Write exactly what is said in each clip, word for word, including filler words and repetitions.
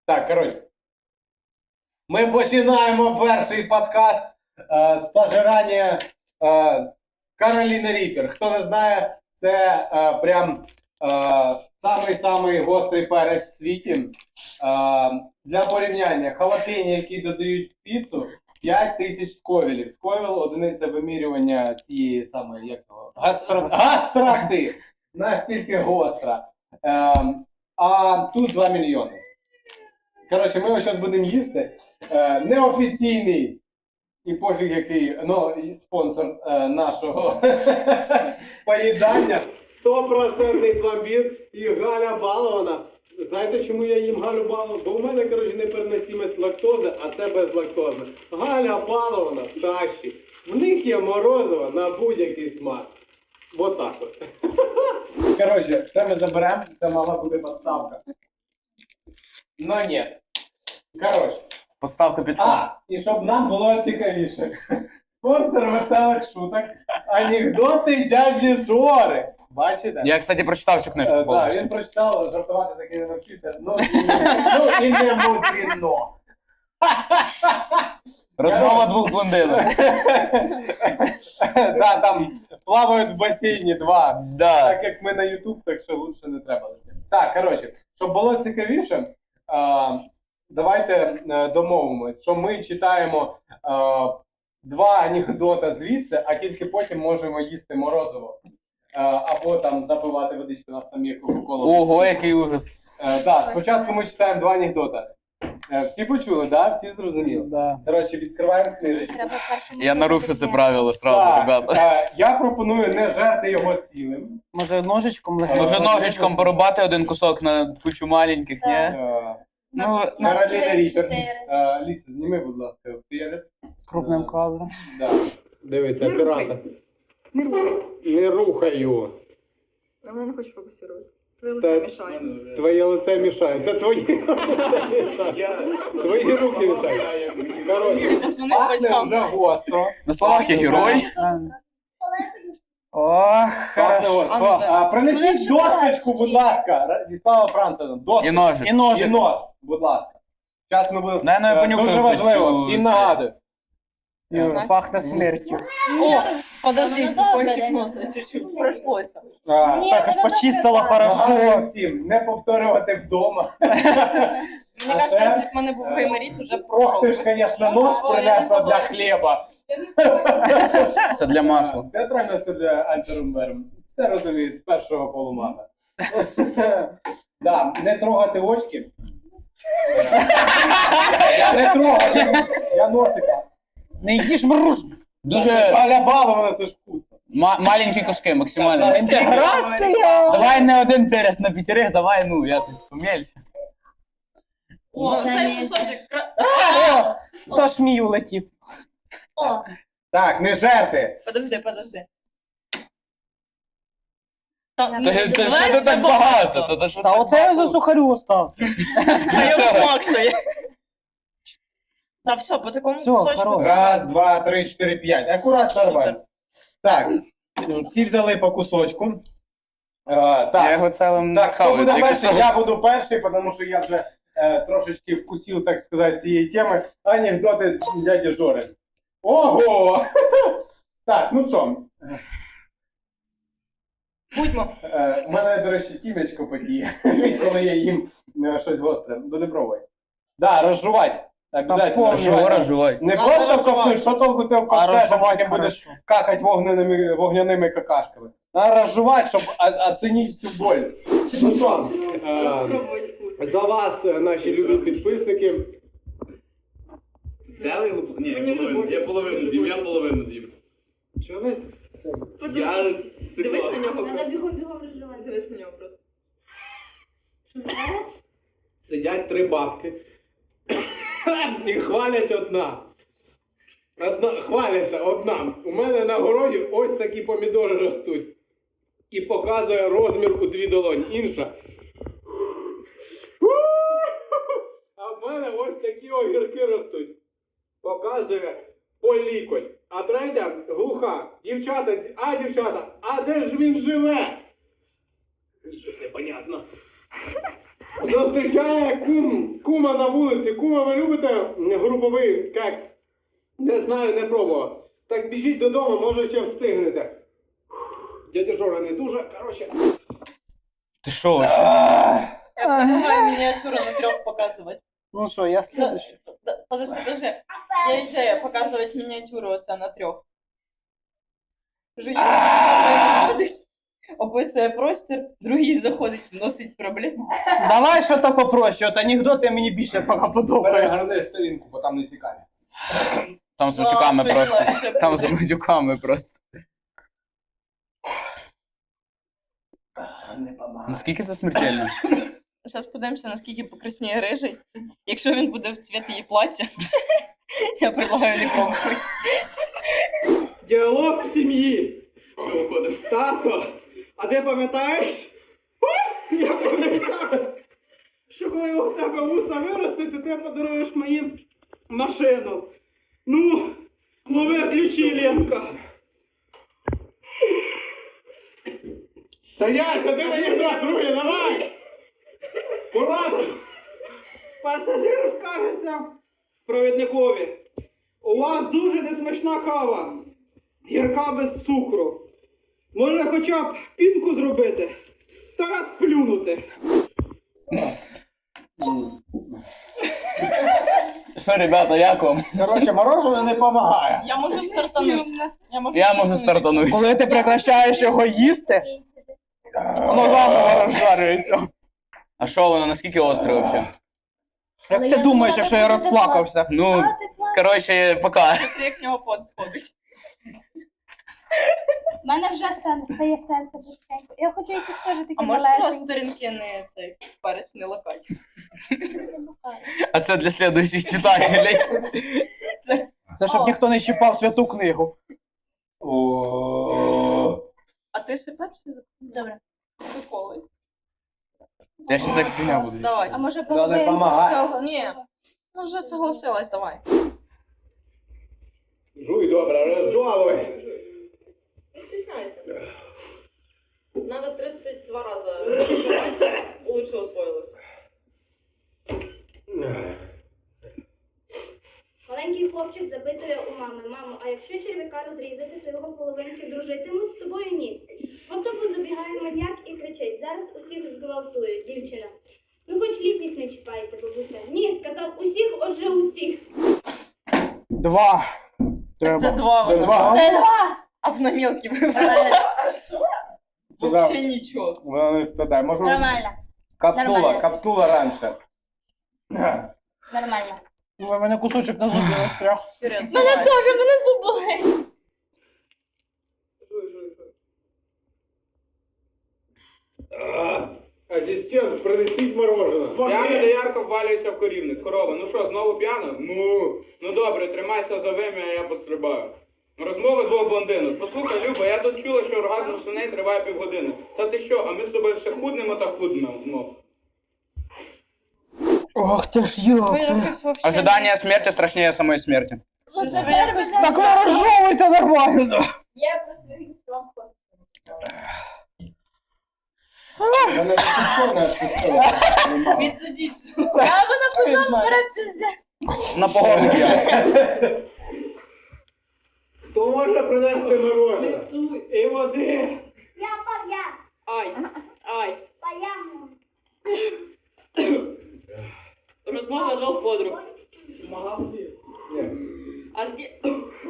Так, коротше. Ми починаємо перший подкаст е, з пожирання е, Кароліни Ріпер. Хто не знає, це е, прям е, самий-самий гострий перець в світі. Е, для порівняння, халапені, які додають в піцу, п'ять тисяч сковілів. Сковіл – одиниця вимірювання цієї самої, як того, гастро... гастроти. Настільки гостра. Е, а тут два мільйони. Коротше, ми його зараз будемо їсти. Е, неофіційний і пофіг який, ну, спонсор е, нашого поїдання. сто відсотків пломбір і Галя Балована. Знаєте, чому я їм Галю Балована? Бо у мене, коротше, непереносимість лактози, а це безлактозне. Галя Балована, Саші. В них є морозиво на будь-який смак. Вот так от. Коротше, це ми заберемо, це мала бути підставка. Ну ні. Коротше. Подставка під А, і щоб нам було цікавіше. Спонсор веселих шуток. Анекдоти дяді Жори. Бачите? Я, кстати, прочитав цю книжку Так, повністю. да, він прочитав, жартувати таки не навчився. Ну, і, ну, і не мудрено. Розмова двох блондинок. Да, там плавають в басейні два. Да. Так як ми на YouTube, так що лучше не треба. Так, коротше, щоб було цікавіше, а, давайте а, домовимось, що ми читаємо а, два анекдота звідси, а тільки потім можемо їсти морозиво. А, або там запивати водичку, на самі кока-колу. Ого, який ужас. Так, да, спочатку ми читаємо два анекдота. Е, Всі почули, да? Всі зрозуміли? Да. Коротше, відкриваємо книжечку. Я нарушу це правило сразу, Так, ребята. е, я пропоную не жерти його цілим. Може ножичком легенько? Може ножичком порубати один кусок на кучу маленьких, ні? Е, Ну, Кароліна Ріпер. Е, Ліса, зніми, будь ласка, перець. Крупним кадром. Да. Дивіться, оператор. Не рухай. Не рухай його. А вона не хоче фокусувати. Твоє Та- лице мішає. Твоє лице мішає. Це твої Твої руки мішають. Коротше, пахне вже гостро. на словах я герой. О, Пахне хорошо. гостро. А, Принесіть досточку, будь ласка. Діслава Францевна, І досточку. ножик. І І ножик. нож, будь ласка. Зараз ми будемо. Дай, ну, я Е, понюхаю Дуже важливо, цю- всім нагадую. Юра, пахне смертю. О, подождите, кончик носа чуть-чуть прошлося. А, Так, аж почистила Нагадую хорошо. всім, не повторювати вдома. Мені кажется, якщо б в мене був гайморіт, уже Ох, ти ж, пробував. звісно, нож принесла для хліба. Це для масла. Театрально сюди альтерумбером. Все розумію, з першого полумага. Да, не трогати очки. Я не трогаю, я носика. Не їж мруж. Дуже Галя Балована, це ж вкусно. ма- маленькі куски, максимально. Інтеграція! Давай не один перець на п'ятерих, давай, ну, я тут помелься. О, цей кусочок. кра- О, то ж мій улетів. О, Так, не жерти. подожди, подожди. Та, Та ну, ж ти давай що ти це так багато? Та то що Та так оце я за багато? сухарю остав. А я всмактую. Та все, по такому Всё, кусочку. хорош. це- Раз, два, три, чотири, п'ять. Акуратно, нормально. Так, всі взяли по кусочку. Е, Я Так, його цілим не так, хто схаваю. буде цей перший? кусок. Я буду перший, тому що я вже е, трошечки вкусив, так сказати, цієї теми. Анекдоти з дяді Жори. Ого! Так, ну що, Будьмо. е, у мене, до речі, тімечко подіє, коли я їм е, щось гостре. Буде пробувати. Да, розжувати. Обязательно. Та Чого розживай? Не Надо просто розжувати. ковтнуть, що толку ти А вковтнеш, а розжувати потім будеш хорошо. какать вогняними, вогняними какашками. Треба розжувати, щоб о- оцінити всю боль. Ну що, е, Спробуй вкус. за вас, е, наші любі підписники. Цілий луп? Ні, я Мені вже половину, боляче. я половину з'їв, я половину з'їв. Чого ви? Подивись. Я Дивись на сиклав. нього Треба просто. бігом бігом розживати. Дивись на нього просто. Сидять три бабки і хвалять одна. Одна, хваляться одна. У мене на городі ось такі помідори ростуть. І показує розмір у дві долоні. Інша. А в мене ось такі огірки ростуть. Показує по лікоть. А третя глуха. Дівчата, а дівчата, а де ж він живе? Нічого не понятно. Зустрічає кум, кума на вулиці. Кума, ви любите груповий кекс? Не знаю, не пробував. Так біжіть додому, може ще встигнете. Дядя Жора не дуже, коротше. Ти що ще? Я предлагаю миниатюру на трех показывать. Ну що, я За- слідуючий. да, Подожди, подожди. Я идея показывать миниатюру оце на трех. Описує простір, другий заходить, вносить проблему. Давай що то попроще, от анекдоти мені більше поки подобаються. Перегорни сторінку, бо там не цікаві. Там з матюками Ну, просто. щось легше Там з буде. матюками просто. Не помагає. Наскільки це смертельно? Зараз подивимося, наскільки покрасніє рижий. Якщо він буде в цвіт її плаття, я предлагаю не пробувати. Діалог в сім'ї. Все, виходимо. Тато, а ти пам'ятаєш? Я пам'ятаю, що коли у тебе вуса виростуть, то ти подаруєш мені машину. Ну, лови ключі, Ленка. Стоять, куди мені вдать, друге, давай! Ура! Пасажир скажеться провідникові. У вас дуже несмачна кава. Гірка без цукру. Може хоча б пінку зробити? Та раз плюнути. Що, ребята, як вам? Коротше, мороженое не допомагає. Я можу стартанути. Я можу, Я можу стартанути. Коли ти прекращаєш його їсти, воно заново розжарюється. А що воно, наскільки остре взагалі? Як ти думаєш, якщо я розплакався? Ну, коротше, пока. Це як в нього пот сходить. У мене вже стане стає серце потихеньку. Я хочу якісь теж такі А може просто малесенькі. сторінки не цей перець не лакать? А це для слідуючих читателей. Це щоб ніхто не чіпав святу книгу. А ти ще пепсі закупив? Добре. Приколи. Я ще як свиня буду. Давай. А може не половинку помагає. цього? Ні. Ну вже согласилась, давай. Жуй добре, розжовуй. Не стесняйся. Надо тридцать два раза. Лучше усвоилось. Маленький хлопчик запитує у мами: мамо, а якщо черв'яка розрізати, то його половинки дружитимуть з тобою? Ні. В автобус забігає маньяк і кричить: зараз усіх зґвалтують. Дівчина: ну хоч літніх не чіпайте, бабуся. Ні, сказав усіх, отже усіх. Два. Так це Треба. два Це воно. два. Це два. А в намілки вибирає. Вообще нічого. Вона не спитає. Може, Нормально. капнула, Нормально. капнула раніше. Нормально. У мене кусочок на зубі застряг. Вперед, Мене давай. теж, мене зуб болить. Жуй, жуй, жуй. Асистент, принесіть мороженое. П'яний доярка ввалюється в корівник. Корова, ну що, знову п'яна? Ну, ну добре, тримайся за вим'я, а я пострибаю. Розмови двох блондинок. Послухай, Люба, я тут чула, що оргазм у свиней триває півгодини. Та ти що, а ми з тобою все худнемо та худнемо. Ох ти ж йоп. Ожидання смерті страшніше самої смерті. Так ви розжовуйте нормально. Я про свергнусь вам спасибо. Вона не підходна, що Відсудіть. А вона потім бере пізде. На погону я. Хто може принести мороженое? І води. Я пав'я. Ай, ай. Пав'я. Розмова двох подруг. Ні. А скільки...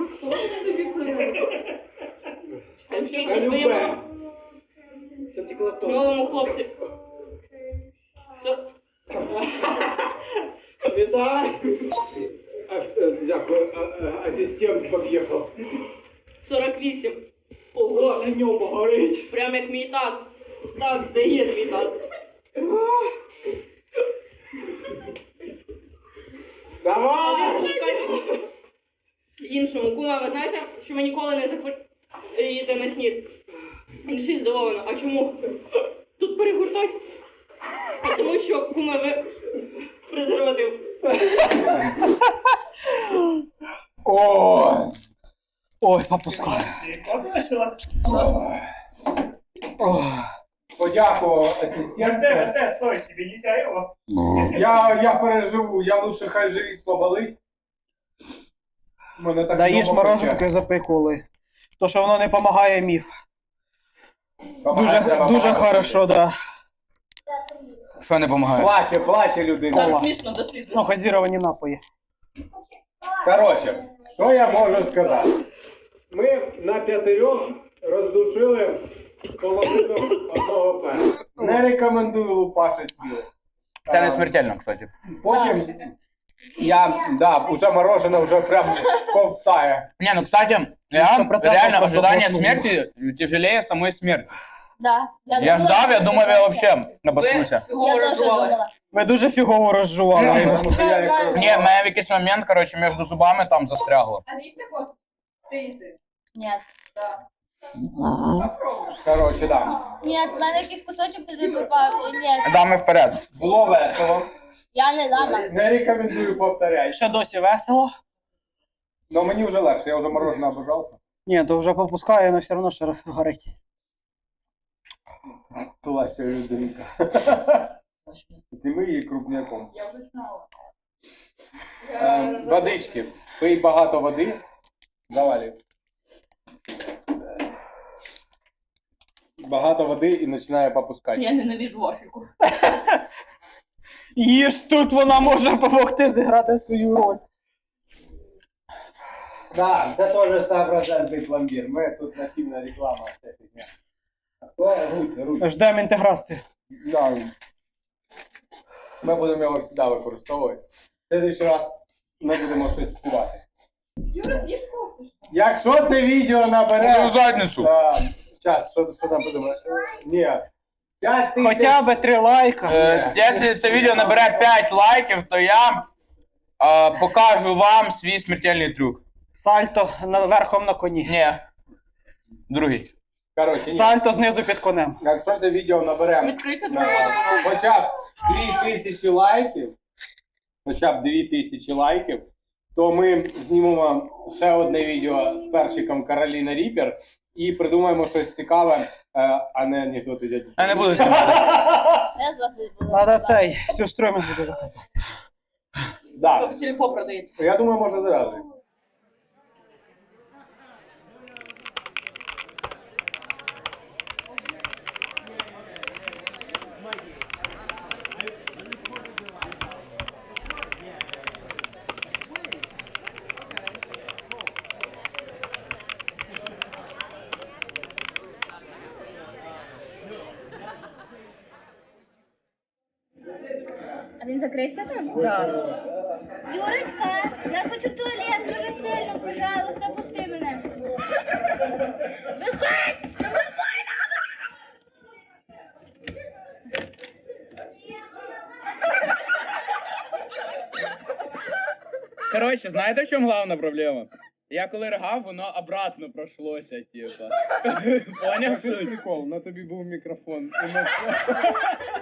А скільки Любе. твоєму Це тільки то. новому хлопці? Со- Вітаю. А, е, Дякую. А, е, Асистент під'їхав. сорок вісім. Ого, На ньому горить. прям як мій тат. Так, це є твій тат. Давай! Каже іншому: кума, ви знаєте, що ви ніколи не захворієте на снід? Інший здивовано: а чому? Тут перегортать? А тому що, кума, ви презерватив. О! Ой, попускаю. Ох. подякував асистенту. ТВ, стой, тебе нельзя его. Я, я переживу, я лучше хай живіт поболить. Мене так Да їж вдома мороженку пече. і запекули. То, що воно не допомагає, міф. Помагає, Дуже, треба дуже помагати. хорошо, да. Що не допомагає? Плаче, плаче людина. Так смішно, до сліз. Ну, газіровані напої. Коротше, що я можу сказати? Ми на п'ятирьох роздушили половину одного пена. Не рекомендую лупашити ціле. Це не смертельно, кстати. Потім я, да, уже мороженое вже прям ковтає. Не, ну, кстати, я сто процентов реально просто ожидание глотнул. смерти тяжелее самой смерти. Да. Я ждав, я думав, я вообще обоснуся. Фігово розжували. Ви дуже фігово розжували. Мгм. ребята. Тому що я як- Ні, в мене в якийсь момент, коротше, між зубами там застрягло. А з'їжте хвост? Ти їсти. Нет. Коротше, да. Нет, в мене якийсь кусочок туди попав. Нет, Дами вперед. Було весело. я не дама. Не рекомендую повторяти. Ще досі весело. Но мені вже легше, я вже мороженое обожався. Ні, то вже попускає, але все одно ще горить. Плаче людинка. Ти ми її крупняком. Я вже знала. Е, Водички. Пий багато води. Завалюй. Багато води і починає попускати. Я ненавижу Африку. Їж тут вона може допомогти зіграти свою роль. Так, це теж сто відсотків пломбір. Ми тут нативна реклама. Вся фігня. Хто? Руть, руть. Ждемо інтеграції. Да. Ми будемо його завжди використовувати. В следующий раз ми будемо щось співати. Юра, з'їж хвост. Якщо це відео набере... Мою задницю. Зараз, що, що там подумає? Ні. п'ять тисяч... Хоча б три лайка. Е, Якщо це відео набере п'ять лайків, то я е, покажу вам свій смертельний трюк. Сальто на- верхом на коні. Ні. Другий. Коротше, ні. Сальто знизу під конем. Якщо це відео набере Відкрийте е, двері. хоча б дві тисячі лайків, хоча б дві тисячі лайків, то ми знімемо ще одне відео з перчиком Кароліна Ріпер і придумаємо щось цікаве, е, а не анекдоти дяді. Я не буду зніматися. Я з вас не буду. Надо цей, всю стройну буде заказати. Да. В сільпо продається. Я думаю, можна зразу. А він закрився там? Так. Юрочка, я хочу в туалет дуже сильно, пожалуйста, пусти мене. Виходь! Коротше, знаєте, в чому головна проблема? Я коли ригав, воно обратно пройшлося, типа. Поняв Це ж суть? прикол, на тобі був мікрофон. І ми-